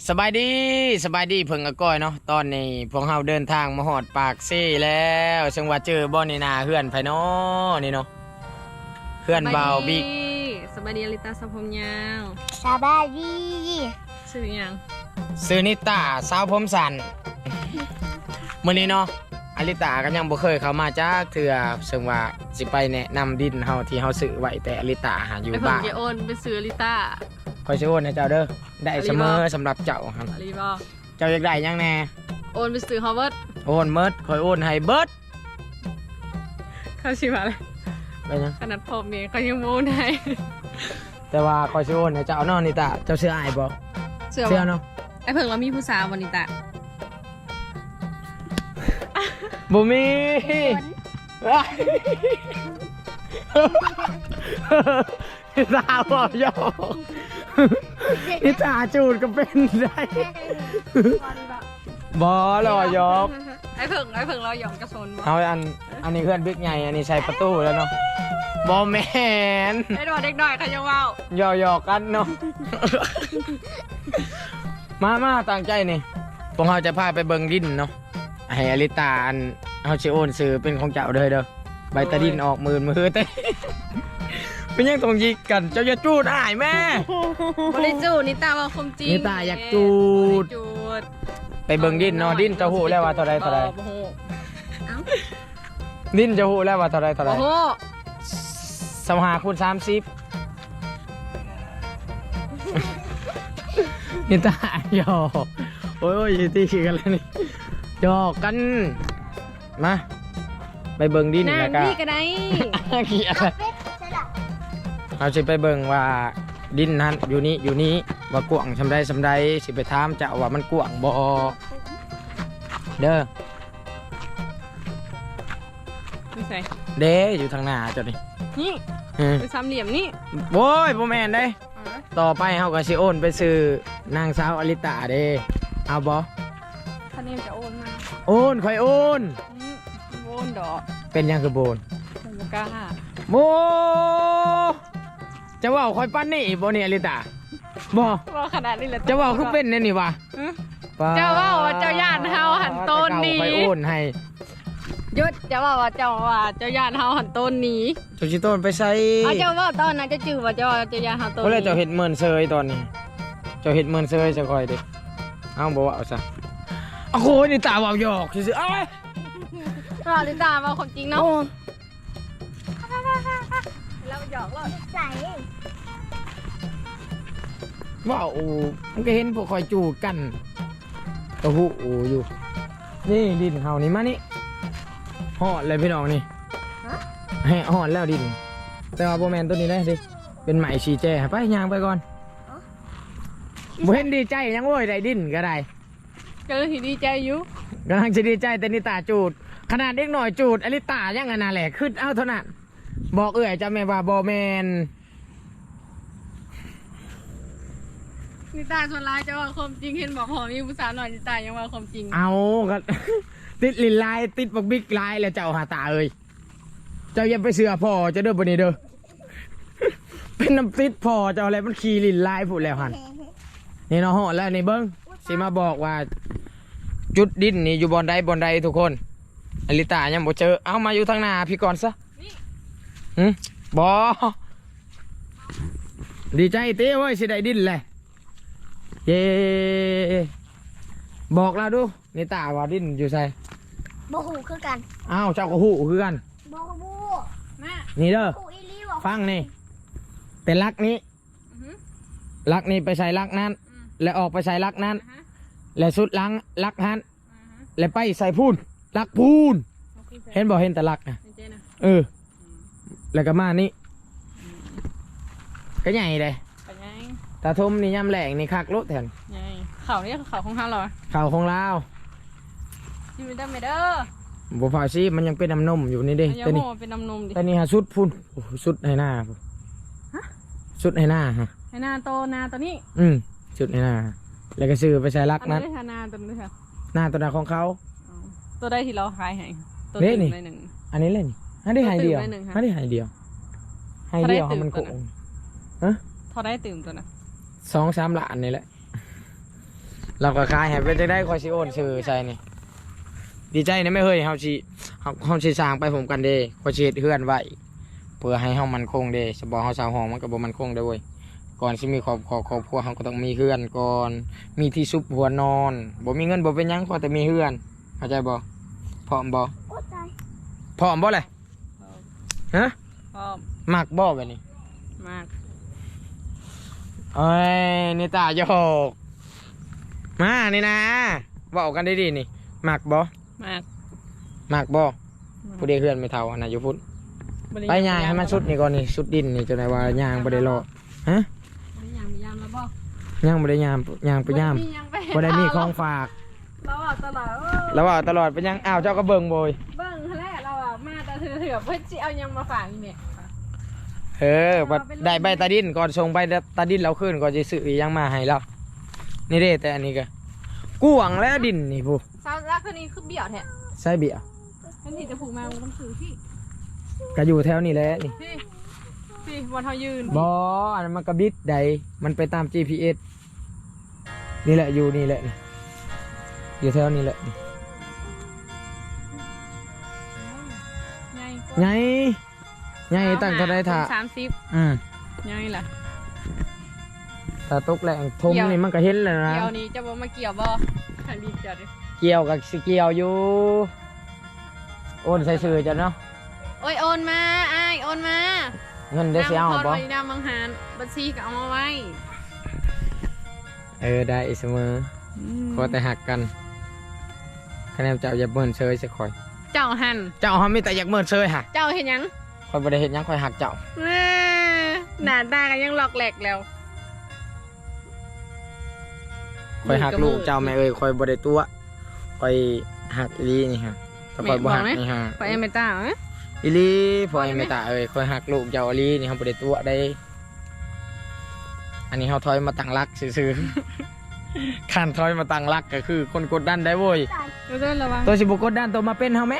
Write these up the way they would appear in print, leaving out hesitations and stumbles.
สบายดีเพิ่งอก้อยเนาะตอนนี้พวกเราเดินทางมาหอดปากเซ่แล้วซึ่งว่าเจอบ่อนี่นาเฮือนไผเนาะนี่เนาะเฮือนเบาบิ๊กสบายดีอลิตาสะพมยาวสบายดีชื่อยังซื้อนิตาสาวผมสันมื้อนี้เนาะอลิตาก็ยังบ่เคยเข้ามาจักเทื่อซึ่งว่าสิไปแนะนำดินเฮาที่เฮาซื้อไว้แต่อลิตาหาอยู่ไปเพิ่งบ้านจะโอนไปซื้ออลิตาคอยสิโอนให้เจ้าเด้อได้เสมอสำหรับเจ้าครับอลิบอกเจ้าอยากได้หยังแน่โอนไปซื้อฮอร์วาร์ดโอนเมิดคอยโอนให้เบิดเขาชื่ออะไรไปยังขนาดผมเนี่ยเขายังโอนให้แต่ว่าคอยสิโอนให้เจ้าเนาะนิตาเจ้าเสื้ออายบ่เชื่อเสื้อป่ะเนาะไอ้เพิ่งเรามีผู้สาววันนี้ตะบ่มีนิตาบอกหยอกนิตาจูดก็เป็นได้บอหล่อยอกไอ้เพิ่งเราหยอกกระสนบ่เอาอันนี้เพื่อนบิ๊กใหญ่อันนี้ใช้ประตูแล้วเนาะบอแมนไอ้ดอกเด็กหน่อยเขายังว่าวหยอกกันเนาะมาตั้งใจนี่พวกเราจะพาไปเบิงดินเนาะให้อลิตาอันเอาชิโอนซื้อเป็นของเจ้าเลยเด้อใบตะดินออกมือเต้เป็นยังต้องยิกกันเจ้าอย่าจูดอ้ายแม่บริจูดนิตาว่าคมจริงนิตาอยากจูดจูดไปเบิงดินเนาะดินจะหูแล้วว่าเท่าไรโอ้โหดินจะหูแล้วว่าเท่าไรโอ้โห 25 คูณ 30นิตาหยอกโอ้ยตีกันแล้วนี่หยอกกันมาไปเบิงดินนั่แล้นวก็นี่ก็ได้เกี่ยเป็ดใช่หรอเราสิไปเบิงว่าดินนั้นอยู่นี้ว่ากว้างสำใดสิไปถามเจ้าว่ามันกว้างบ่เด้อไม่ใส่เด้อยู่ทางหน้าเจ้านี่นี่อืมเป็นสามเหลี่ยมนี่โว้ยบ่แม่นเด้ต่อไปเฮาก็สิโอนไปซื้อนางสาวอลิตาเด้เอาบ่ท่านนี้จะโอนมาโอนค่อยโอนโอนดอกเป็นหยังคือโบนผมกล้าโบจะเว้าค่อยปั้นนี่บ่นี่อลิตาบ่ว่าขนาดนี้เลยจะเว้าคือเป็นแน่นี่วะเจ้าว่าเจ้าย่านเฮาหันต้นนี้ค่อยโอนให้ยุดเจ้าว่าเจ้าย่านเฮาหันต้นนี้เจ้าสิโตนไปใส่เอาเจ้าว่าตอนนั้นจะจื้อว่าเจ้าย่านเฮาต้นเพราะเลยนี้เจ้าเห็ดเมินเซยตอนนี้เจ้าเห็ดเมินเซยจะคอยดิเอาบอกว่าเอาซะโอ้โหนี่ตาเว่าหยอกซื่อๆเอ้ยเราลิตาว่าความจริงเนาะโอ้เราหยอกเราใส่ว่าโอ้มันก็เห็นพวกคอยจูดกันตะหูโอ้อยู่นี่ดินเฮานี่มานี่หอดเลยพี่น้องนี่ให้หอดแล้วดิน แต่ว่าโบแมนตัวนี้ได้ดิเป็นไหมชีแจไปยางไปก่อนบ่เห็นดีใจยังโว้ยได้ดินก็ได้ก็เลยดีใจอยู่กำลังจะดีใจแต่นิตาจูดขนาดเด็กหน่อยจูดอลิตายังไงน่ะแหละขึ้นเอาเท่านั้นบอกจะแม่ว่าบอแมนลิตาส่วนร้ายจะว่าความจริงเห็นบอกหอมีผู้สาวหน่อยลิตายังว่าความจริงเอาก็ ติดลินลายติดบักบิ๊กลายแล้วเจ้าหาตาเอ้ยเจ้าอย่าไปเสือพ่อเจะเด้อบนนี้เด้อ เป็นน้ำติดพ่อเจ้าอะไรมันขี่ลินลายพูดแล้วหันนี่เนาะฮอดแล้วนี่เบิ้งสิมาบอกว่า จุดดินนี่อยู่บอนใดทุกคนอลิตายังบ่เจอเอามาอยู่ทางหน้าพี่ก่อนซะบอดีใจเต้เว้ยสิได้ดินเลยเย่บอกเราดูนี่ตาว่าดินอยู่ใส่โบหูคือกันอ้าวเจ้าก็หูคือกันโบหูแม่นี่เด้อหูอีลีบอกฟังนี่เป็นลักนี้ลักนี้ไปใส่ลักนั้น และออกไปใส่ลักนั้น และสุดหลังลักหันและไปใส่พูนลักพูนเห็นบ่เห็นแต่ลักนะแล้วก็มานี่ก็ใหญ่เลยเป็นไงตาทมนี่ย่ำแหลงนี่คักรถแทนไงเขาเนี่ยเขาของเขาเหรอเข่าของลาวอยู่ได้ไหมเด้อบัวฟ้าซีมันยังเป็นน้ำนมอยู่นี่เด้อย่าแต่โหนี่เป็นน้ำนมดิแต่นี่ฮะสุดพุ่นโอ้โหสุดให้หน้าพุ่นสุดให้หน้าฮะให้นาโตนาตัวนี้สุดให้หน้าแล้วก็ซื้อไปใส่ลักอันนั้นี้นได้นาตัวนี้ค่ะหน้าตัวหน้าของเขาตัวได้ที่เราขายให้ตัวนี่ตื่นี่นได้หนึ่งอันนี้เลยนี่ให้ได้หายเดียวตัวตื่นไว้หนึ่งค่ะให้ได้หายเดียวให้เดียวถ้าได้ให้มันตื่โกนงเขาได้ตื่นตัวนะ 2-3 ล้านนี่แหละเราก็ขายให้เป็นจังได้คอยสิโอนชื่อใส่นี่ดีใจนะไม่เฮ้ยเฮาสิสร้างไปผมกันเด้คอยสิเฮ็ดเฮือนไว้เพื่อให้เฮามันคงเด้สบ่เฮาสร้างห้องมันก็บ่มันคงเด้อเว้ยก่อนสิมีครอบครัวเฮาก็ต้องมีเฮือนก่อนมีที่ซุบหัวนอนบ่มีเงินบ่เป็นหยังพอแต่มีเฮือนเข้าใจบ่พร้อมบ่โอ้ตายพร้อมบ่เลยฮะพร้อมมักบ่แบบนี้มากเอ้ยนี่ตาโยกมานี่นะบอกกันได้ดีนี่มักบ่มากมักบ่ผู้ใดเฮือนไม่เท่าอันน่ะอยู่พุ่นบ่ด้ไปย่างให้มันสุดนี่ก่อนนี่สุดดินนี่จนได้ว่าย่างบ่ได้รอฮะบ่ได้ยามแล้วบ่ย่างบ่ได้ย่างย่างไปย่าง บ่ได้มีของฝากเราอ่ะตลอดแล้วว่าตลอดไปย่างอ้าวเจ้าก็เบิ่งโบยเบิ่งแรกเราอ่ะมาแต่เถื่อเพื่อสิเอายังมาฝากอีแม่บัดได้ใบตาดินก่อนส่งใบตาดินเราขึ้นก่อนสิซื้ออีหยังมาให้เรานี่เด้แต่อันนี้ก็กวางแล้วดินนี่ผู้สาวรักคนนี้คือเบี้ยวแท้ใส่เบี้ยทันทีจะผูกมาต้องซื้อพี่ก็อยู่แถวนี้แหละนี่พี่วันเฮายืนบ่อันนั้นมันกระบิดใดมันไปตาม GPS นี่แหละอยู่นี่แหละนี่อยู่แถวนี้แหละนี่ไงไงตั้งเท่าไรถ่า 30ไงล่ะถ้าตกแรงทมนี่มันก็เห็นแล้วนะเกี่ยวนี้จะบ่มาเกี่ยวบ่ทันทีจะดิเกี่ยวกับสิเกี่ยวอยู่โอนใส่ซื้อจ้ะเนาะโอ้ยโอนมาอ้ายโอนมาเงินได้สิเอาบ่นำมังหารบัญชีก็เอามาไว้ได้เสมอขอแต่หักกันคะแนนเจ้าอย่าเบิ่นเชยสักคอยเจ้าหันเจ้าเฮามีแต่อยากเบิ่นเชยฮะเจ้าเห็นยังคอยบ่ได้เฮ็ดหยังคอยหักเจ้าแม่หน้าตากันยังหลอกแหลกแล้วคอยหักลูกเจ้าแม่เอ้ยคอยบ่ได้ตัวคอยหักอีหลีนี่ฮะถ้าคอยบ่หักนี่ฮะไปเอเมต้าเอ้ยอีหลีพอไอ้เมตาเอ้ยคอยหักลูกเจ้าอีหลีนี่เฮาบ่ได้ตัวได้อันนี้เฮาถอยมาตั้งรักซื่อๆ คันถอยมาตั้งรักก็คือคนกดดันได้โว้ยเดี๋ยวระวังตัวสิบ่กดดันตัวมาเป็นเฮาแหม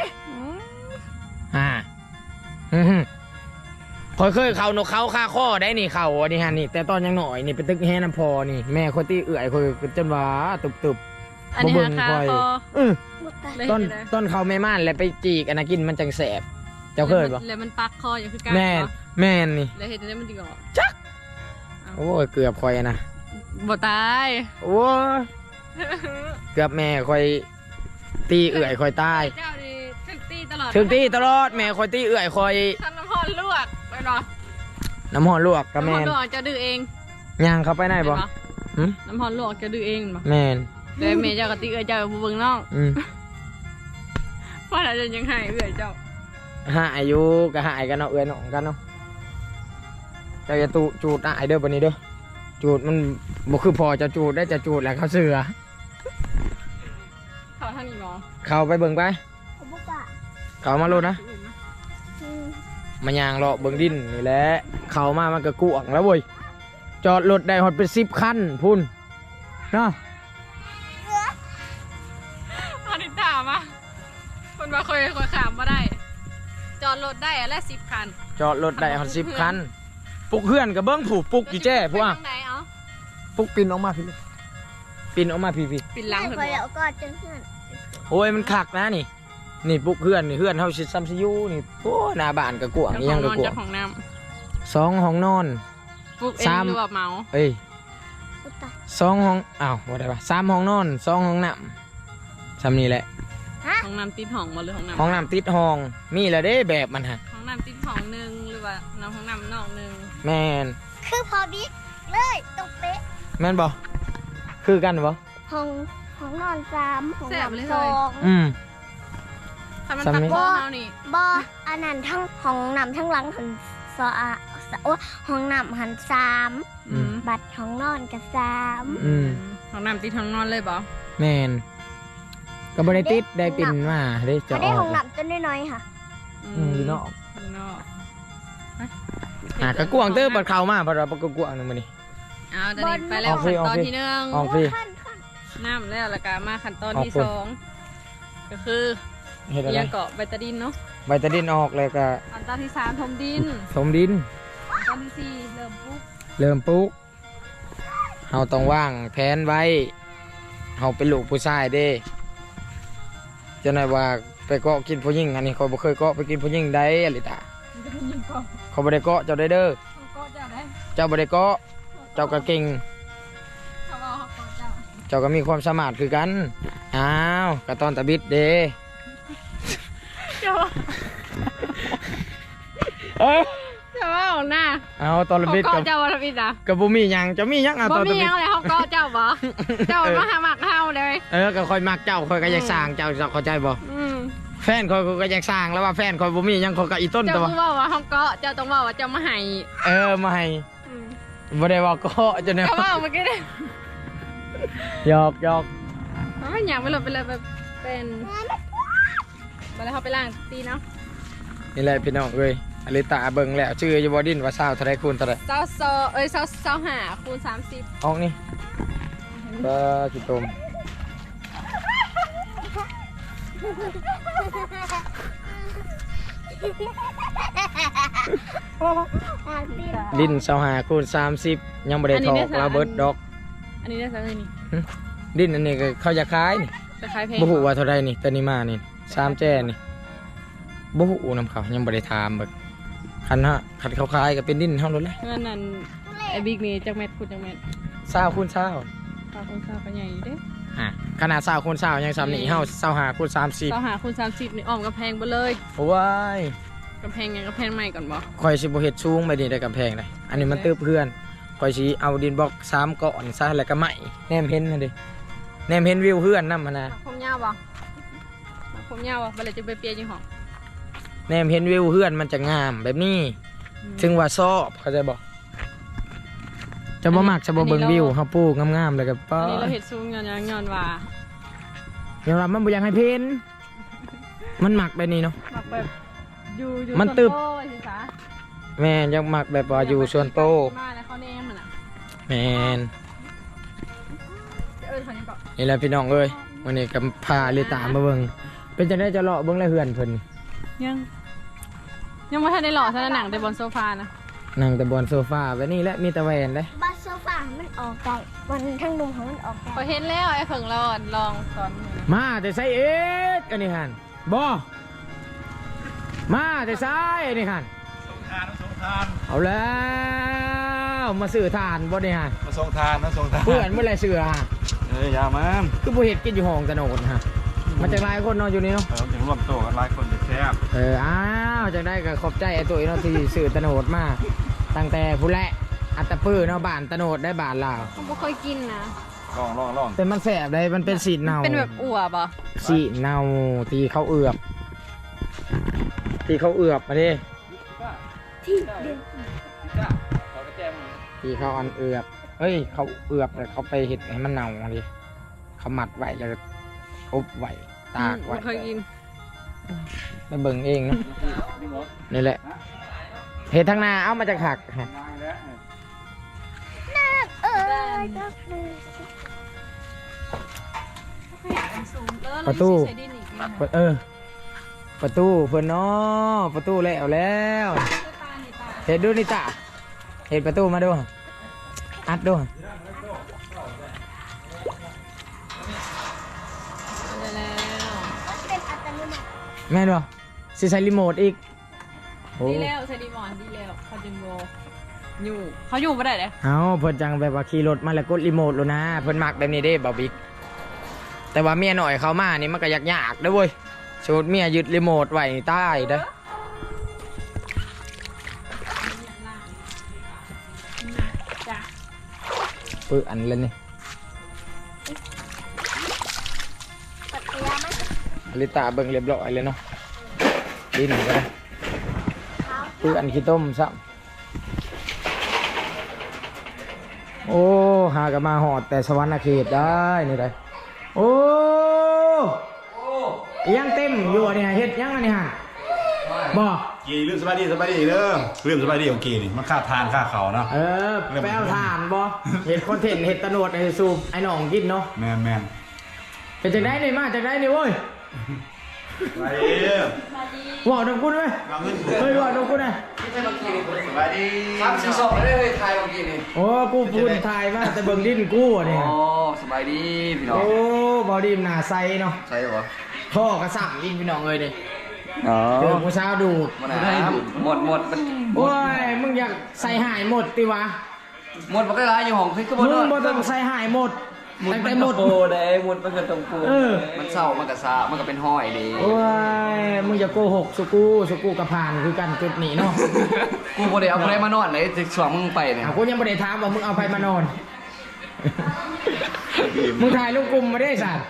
อื้อหือคอยเคยเข้านกเขาคาข้อได้นี่เข้าอันนี้ฮะนี่แต่ตอนยังน้อยนี่ไปตึกแฮน้ำพอนี่แม่คนที่เอื้อยคอยจนว่าตุบอันนี้บ่เบิ่งราคาค่อยพอๆเออหมดตายเลยต้นเห็นเลยต้นเขาไม่ม่านแล้วไปจีกอันนั้นกินมันจังแสบเจ้าเคยบ่แล้วมันปักคออย่างคือการแม่นแม่นนี่แล้วเห็นได้มันดีกว่าโอ้ยเกือบคอยอะนะบ่ตายโอ้ยเกือบแม่คอยตีเอื่อยคอยตายเจ้านี่ถึกตีตลอดถึงตีตลอดแม่คอยตีเอื่อยคอยทำน้ำพรลวกไปเนาะน้ำหอนลวกกับน้ำพแม่รนลวกจะดื้อเองย่างเข้าไปไหนบ่เห็นปะหึน้ำพรลวกจะดื้อเองบ่แม่นแล้วแม่เจ้าก็ตีเอ้ยเจ้าบ่เบิ่งน้องอืมเพราะเราจะยังให้เอ้ยเจ้าหายอยู่ก็หายกันเนาะเอื่อยน้องกันเนาะเจ้าจะตูจูดอายเด้อบัดนี้เด้อจูดมันบ่คือพอจะจูดได้จะจูดแล้วเขาเสือเขาทางนี้หมอเข้าไปเบิ่งไปผมบอกว่าเข้ามาโลดนะอืมมันยางเลาะเบิ่งดินนี่แหละเข้ามามันก็กวางแล้วเว้ยจอดรถได้ฮอดเป็น10คันพุ่นเนาะอันนี้ถามอ่ะคนมาเคยขามมาได้ จอดรถได้และ10 คันจอดรถได้ฮอด10คันปุกเพื่อนกับเบิ้งผูกปุกอยู่แจ้พวกไปทางไหนเอาปุกปินออกมาพี่ลูกปินออกมาพี่ปิดหลังไม่เถพออะแล้วก็จังเพื่อนโอ้ยมันคักนะนี่นี่ปุกเพื่อนนี่เพื่อนเฮาสิซัมซิยูนี่โอ้หน้าบ้านก็กวางเจ้าอีขหอยัง งนก็อนกวาเจ้าง ของน้ 2ห้องนอนำปลุกเองสามหรือว่าเมาเอ้ยหมดตาย 2ห้องอ้าวบ่ได้ปะ3ห้องนอน2ห้องน้ำซ้ำนี่แหละห้องน้ำติดห้องมาหรือห้องน้ำห้องน้ำติดห้องมีแล้วเด้แบบมันฮะห้องน้ำติดห้องหนึ่งหรือว่าน้ำห้องน้ำนอกหนึ่งแม่นคือพอบิ๊กเลยตรงเป๊ะแม่นบ่คือกันบ่ห้องนอน3ห้องนอน2 อืมถ้ามันซ้ำตัดนี่บ่อเฮานี่บ่อันนั้นทั้งห้องน้ำทั้งหลังหันสอะโอ้ห้องน้ำหัน3 อืมบัตรห้องนอนกับ3 อืมห้องน้ำติดห้องนอนเลยบ่แม่นก็บ่ได้ติดได้ปินมาได้จะอันอนี้อห้อก งน้ำตัวน้อยๆค่ะอยู่นอกอยู่นอกก็กวางเตอร์บัดเข้ามาบัดว่าบ่ก็กวางนึงมื้อนี้เอาตอนนี้ไปแล้วออกฟรีขั้นตอนออกฟรีที่หนึ่งออกฟรีขั้นน้ำแล้วแล้วก็มาขั้นตอนที่ออกฟรี 2ก็คือเฮ็ดอะไรเลี้ยงเกาะใบตะดินเนาะใบตะดินออกแล้วก็ขั้นตอนที่3ถมดินถมดินขั้นตอนที่4เริ่มปลูกเริ่มปลูกเฮาต้องวางแผนไว้เฮาเป็นลูกผู้ชายเด้จะไหนว่าไปเกาะกินผู้หญิงอันนี้เขาบ่เคยเกาะไปกินผู้หญิงได้อลิตามันจะเป็นยิงกองเขาบ่ได้เกาะเจ้าได้เด้อเขาก็จะได้เจ้าบ่ได้เกาะเจ้าก็เก่งเขาเอาเขาก็จะเจ้าก็มีความสามารถคือกันอ้าวกระตอนตะบิดเด้เจ้าเอ้ยเจ้าว่าของหน้าเอาตอนตะเขาบิดก็กับเจ้าวันบิดอ่ะกับบ่มีหยังจะมีหยังอ่ะบ่ตอนมีตะบิยัดงอะไรเขาก็เจ้าบ่เจ้ามาหาหมักเฮาเลยก็ค่อยมักเจ้าค่อยก็อยากสร้างเจ้าเข้าใจบ่อืมแฟนค่อยก็อยากสร้างแล้วว่าแฟนค่อยบ่มีหยังค่อยก็อีต้นเจ้าตัวต้องว่าเขาก็เจ้าต้องว่าเจ้ามาให้มาให้อืมบ่ได้ว่าเกาะจนเนี่ยเขาว่าเมื่อกี้เนี่ยหยอกมันไม่อยากไปเลยแบบเป็นไปแล้วเขาไปล้างตีเนาะนี่แหละพี่น้องเอ้ยอลิตาเบิ่งแล้วชื่ออยู่บ่ดินว่าสาวเท่าไรคูณเท่าไรเศร้าหาคูณ30 ออกนี่ก็ขี้ตมดิน25คูณ30ยังบ่ได้ทอกเราเบิดดอกอันนี้ได้สักเลยนี่ดินอันนี้ก็เขาจะขายนี่จะขายเพลงบ่ฮู้ว่าเท่าไรนี่แต่นี่มานี่3แจ้นี่บ่ฮู้นำเขายังบ่ได้ถามเบิกคันเขาขายก็เป็นดินเฮาโลดแหละเงินนั่นไอ้บิ๊กนี่จักเม็ดคูณจักเม็ด 20คูณ20 ฝากคนฝากกันใหญ่อยู่เด้ขนาด20คูณ20ยังซ้ำนี่เฮา25คูณ30 หาคูณ30นี่อ้อมกำแพงไปเลยโอ้ยกำแพงไงกำแพงใหม่ก่อนบ่ข่อยสิบ่เฮ็ดสูงไปนี่ได้กำแพงได้อันนี้มันตึบเพื่อนข่อยสิเอาดินบล็อก3ก้อนซะแล้วก็ไม้แนมเห็นนั่นดิแนมเห็นวิวเพื่อนนำหั่นน่ะผมยาวบ่ผมยาวบ่เลยจะไปเปียจังหองแนมเห็นวิวเพื่อนมันจะงามแบบนี้ถึงว่าชอบเข้าใจบ่จะบ่มักจะบ่เบิ่งวิวเฮาปลูกงามๆแล้วก็ป้ออันนี้เราเฮ็ดสูงย้อนว่ายอมรับมันบ่อยากให้เพ้นมันมักแบบนี้เนาะมักแบบอยู่มันตึบส่วนโตไว้สิซะแม่นยังมักแบบว่าอยู่ส่วนโตมาแล้วเขาแนมมันน่ะแม่นเขายังเกาะนี่แหละพี่น้องเอ้ยวันนี้ก็พาลิตามาเบิ่งเป็นจังได๋จะเลาะเบิ่งแล้วเฮือนเพิ่นยังไม่ทันได้หล่อซะนะหนังแต่บนโซฟานะนั่งแต่บนโซฟาแบบนี้แหละมีแต่แหวนเลยบัสโซฟามันออกได้วันทั้งดุมของมันออกได้พอเห็นแล้วไอ้เพิ่งเราลองตอนนี้มาแต่ไซเอ็ดอันนี้หันบ่มาแต่ไซอันนี้หันส่งทานเอาแล้วมาซื้อทานบ่ได้หันมาส่งทานนะส่งทานเพื่อนเมื่อไรเสือฮะอย่ามันคือบ่เห็ดกินอยู่ห้องตะโนดฮะมันจะหลายคนนอนอยู่นี่เนาะถึงร่วมโตกันหลายคนจะแซ่บอ้าวจังได้ก็ขอบใจไอ้ตัวเนาะที่ซื้อตะโนดมาตั้งแต่ผู้แลอัตตะปื้อเนาะบ้านตะโนดได้บ้านลาวเขาไม่ค่อยกินนะลองแต่มันแสบเลยมันเป็นสีเนาเป็นแบบอวบอ่ะสีเนาที่เขาเอือบมาดิที่เดียวที่เขาอันเอือบเฮ้ยเขาเอือบแต่เขาไปเห็ดให้มันเน่าดิเขาหมัดไว้แล้วอบไว้ตากไว้ไม่ค่อยกินไปเบิ่งเองเนาะนี่แหละเห็ดทางนาเอามาจากหักฮะเออก็คือประตูประตูเพื่อนเนาะประตูแล้วเห็ดดูนี่ตาเห็ดประตูมาดูอัดดูเป็นอัตโนมัติแม่นบ่สิใช้รีโมทอีกโอ้ดีแล้วใช้ดีมอนดีแล้วเขาจึงโบอยู่เขาอยู่ไม่ได้เลยเอาเพิ่นจังแบบว่าขี่รถมาแล้วกดรีโมทแล้วนะเพิ่นมักแบบนี้เด้บ่บิ๊กแต่ว่าเมียหน่อยเขามานี่มันก็ยากๆเด้อเว้ยสมมุติเมียยึดรีโมทไว้นี่ตายเด้อปื้ออันเลยนี่ปัตยามันอลิตาเบิ่งเรียบร้อยเลยเนาะดินก็ได้ปื้ออันขี้ต้มซ้ำโอ้หากันมาหอดแต่สวรรค์เขตได้นี่ได้โอ้ยังเต็มอยู่อันนี้ฮะเฮ็ดยังอันนี้ฮะบ่กีลืมสบายดีเด้อลืมสบายดีของกีนี่มันค่าทานค่าเขาเนาะไปเอาถ่านบ่เห็ดคอนเทนต์เห็ดตะโนดไอ้สูบไอ้หนองกินเนาะแม่นเป็นจังได้นี่มาจังได้นี่เว้ยไปเด้อบอกน้องคุณไหมมาเงินเฮ้ยบอกน้องคุณนะสบายดีครับสีสองไม่ได้เลยไทยเมื่อกี้นี่โอ้กูพูดทายมาแต่เบิ่งดิ้นกูอ่ะเนี่ยอ๋อสบายดีพี่น้องโอ้บอดี้มนหนาใสเนาะใช่เหรอพ่อกระสับลิ้นพี่น้องเลยเนี่ยอ๋อเจอผู้สาวดูดมันหมดมันโอ้ยมึงอยากใส่หายหมดติวะหมดมันก็ร้ายอยู่ห้องคือก็มึบ่งนอนบ่ต้องใส่หายหมดหมดตั้งมัแต่นหมก็ดโปได้หมดมันก็ต้องโปเออมันเศร้ามันก็ซามันก็เป็นห้อยดีโอ้ยมึงอย่าโกหกสุกูกับผ่านคือกันจุดนี้เนาะกูบ่ได้เอาอะไรมานอนไหนจะช่วงมึงไปเนี่ยกูยังไม่ได้ถามว่ามึงเอาไปมานอน มึงถ่ายลูกกลุ่มมาได้สัตว์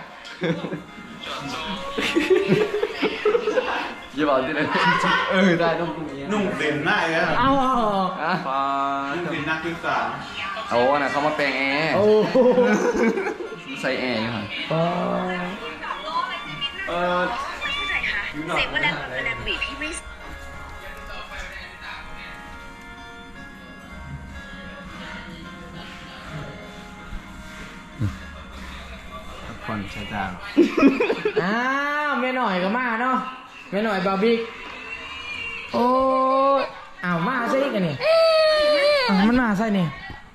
อย่าบอกที่ไหนได้ต้องกูนี้นุ่งเด่นหน้าเลยนะเอาอ่ะนุ่งเด่นนักศึกษาโอ้น่ะเขามาแปลงแอร์โอ้โหใส่แอร์อยู่ฮะเสียเวลาเวลาบีพี่ไม่คนใช้จางอ้าวแม่หน่อยก็มาเนาะแม่หน่อยบาร์บิกโอ้ยอ้าวมาใช่กันนี่อ้าวมันมาใช่นี่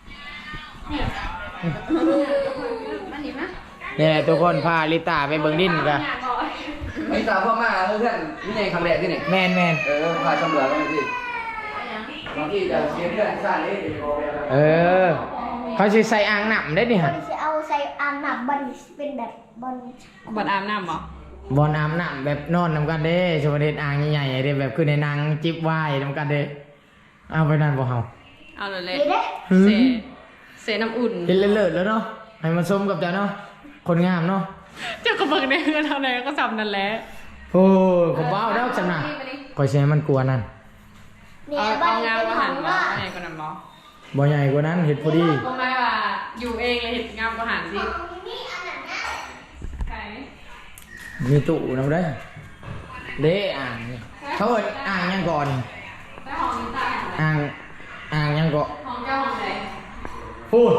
เนี่ยทุกคนพาลิตาไปเบิ่งดินกันไอ้ตาพ่อมาเพื่อนนี่ไงครั้งแรกที่นี่แมนพาชมเหลือกันเลยพี่บางทีจะเสียเพื่อนซ่านี่เออเขาสิใส่อ่างน้ำได้นี่บฮะริจะเอาใส่อ่างน้ำบริเป็นแบบบริบัดอาบน้ำบ่บอลน้ำน้ำแบบนอนนำกันเด้สมเด็จอ่างใหญ่ๆเด้แบบคือในหนังจิบไวายนำกันเด้เอาไปนั่นบ่เฮาเอาเลยเลยเด้เสเสน้ำอุ่นเห็นเลิศๆแล้วเนาะให้มันสมกับเจ้าเนาะคนงามเนาะเจ้ากระเบิงในเฮือนเท่าไหร่ก็สำนั่นแหละโอ้ยผมบ้าแล้วจำน่ะคอยเสียมันกลัวนั่นเนี่ยเอาบเอาริงามเป็นกว่าขหัอน งบ่ว่าใหญ่กว่านั้นบ่บ่ใหญ่กว่านั้นเห็ดพอดีก็ไม่ว่าอยู่เองเลยเห็นงามกว่าหันสิใครมีตู้นำได้เด้อ่างนี่เขาเอิ้นอ่างยังก่อนได้ห้องนี้ตายอ่างยังก่อนห้องเจ้าห้องไหนพูด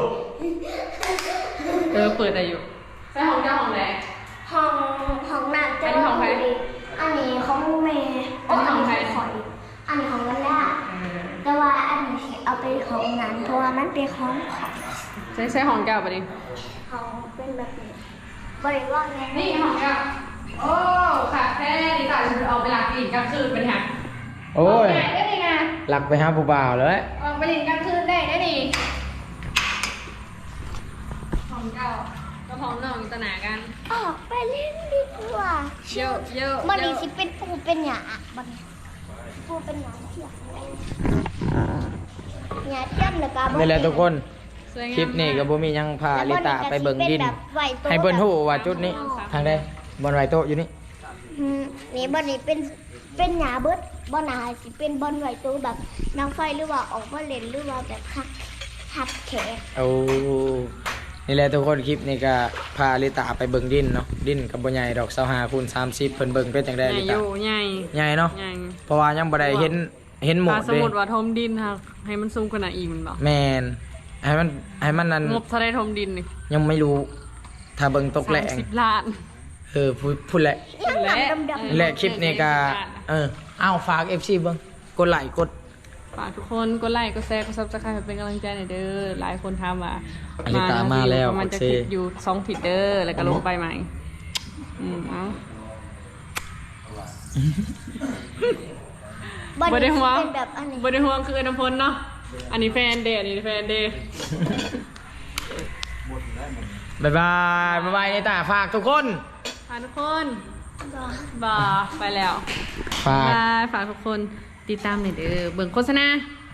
เปิดได้อยู่ใช่ห้องเจ้าห้องไหนห้องน้ำจะอันนี้ของใครอันนี้ของเมย์อันนี้ของใครอันนี้ของวันล่าแต่ว่าอันนี้เอาไปของนั้นเพราะว่ามันเป็นของใช่ห้องเจ้าปะนี่ของเป็นแบบนี้บริวารไงนี่ห้องเจ้าโอ้ค่ะแท้ดีต่างเอาไปหลักอีกกลางคืนเป็นไงโอ้ยได้ดีไงหลักไปหาผู้บ่าวเลยออกไปหลินกลางคืนได้ดีห้องเจ้าก็ห้องนอกอยู่ตะหนากันออกไปเล่นดีกว่าเยอะเยอะมันนี่สิเป็นปูเป็นหยาบันปูเป็นหยาเทียมหยาเทียมแล้วก็นี่แหละทุกคนสวยงามคลิปนี้ก็บ่มีหยังพาลิตาไปเบิ่งดิน ให้เบิ่นฮู้ว่าจุดนี้ทางใดบอนไหวโตะอยู่นี่นี่บอนนี่เป็นหยาเบิดบอนหนาสิเป็นบอนไหวตัวแบบนางไฟหรือว่าออกมาเล่นหรือว่าแบบหัดแขกโอ้นี่แหละทุกคนคลิปนี้ก็พาลิตาไปเบิ่งดินเนาะดินกับบ่ใหญ่ดอก25คูณ30เพิ่นเบิ่งเป็นจังได๋ใหญ่ลิอตายู่ใหญ่ใหญ่เนาะใหญ่เพราะว่ายังบ่ได้เห็นหมดถ้าสมเด้มติว่าทมดินค่ะให้มันสูงขนาดอีกมันบอกแม่นให้มันนั่นงบเท่าได้ทมดินนี่ยังไม่รู้ ถ้าเบิ่งตกแหลง 30 ล้านพูดแหละยังหนังดำและคลิปนี้ก็เอาฝาก FC เบิ่งกดไลค์กดฝากทุกคนกดไลค์กดแชร์กดซับสไครป์เป็นกำลังใจหน่อยเด้อหลายคนถามว่าอลิตามาแล้วมันจะโอเคคลิปอยู่2ผิดเด้อแล้วก็ลงไปใหม่เอาบอนบ่ได้นี่ห่วงเป็นแบบอันนี้บ่ได้ห่วงคือน้ำพลเนาะอันนี้แฟนเดย์อันนี้แฟนเดย์บ๊ายบายลิตาฝากทุกคนฝากทุกคนบ่ไปแล้วฝากบายฝากทุกคนติดตามหน่อยเด้อเบิ่งโฆษณา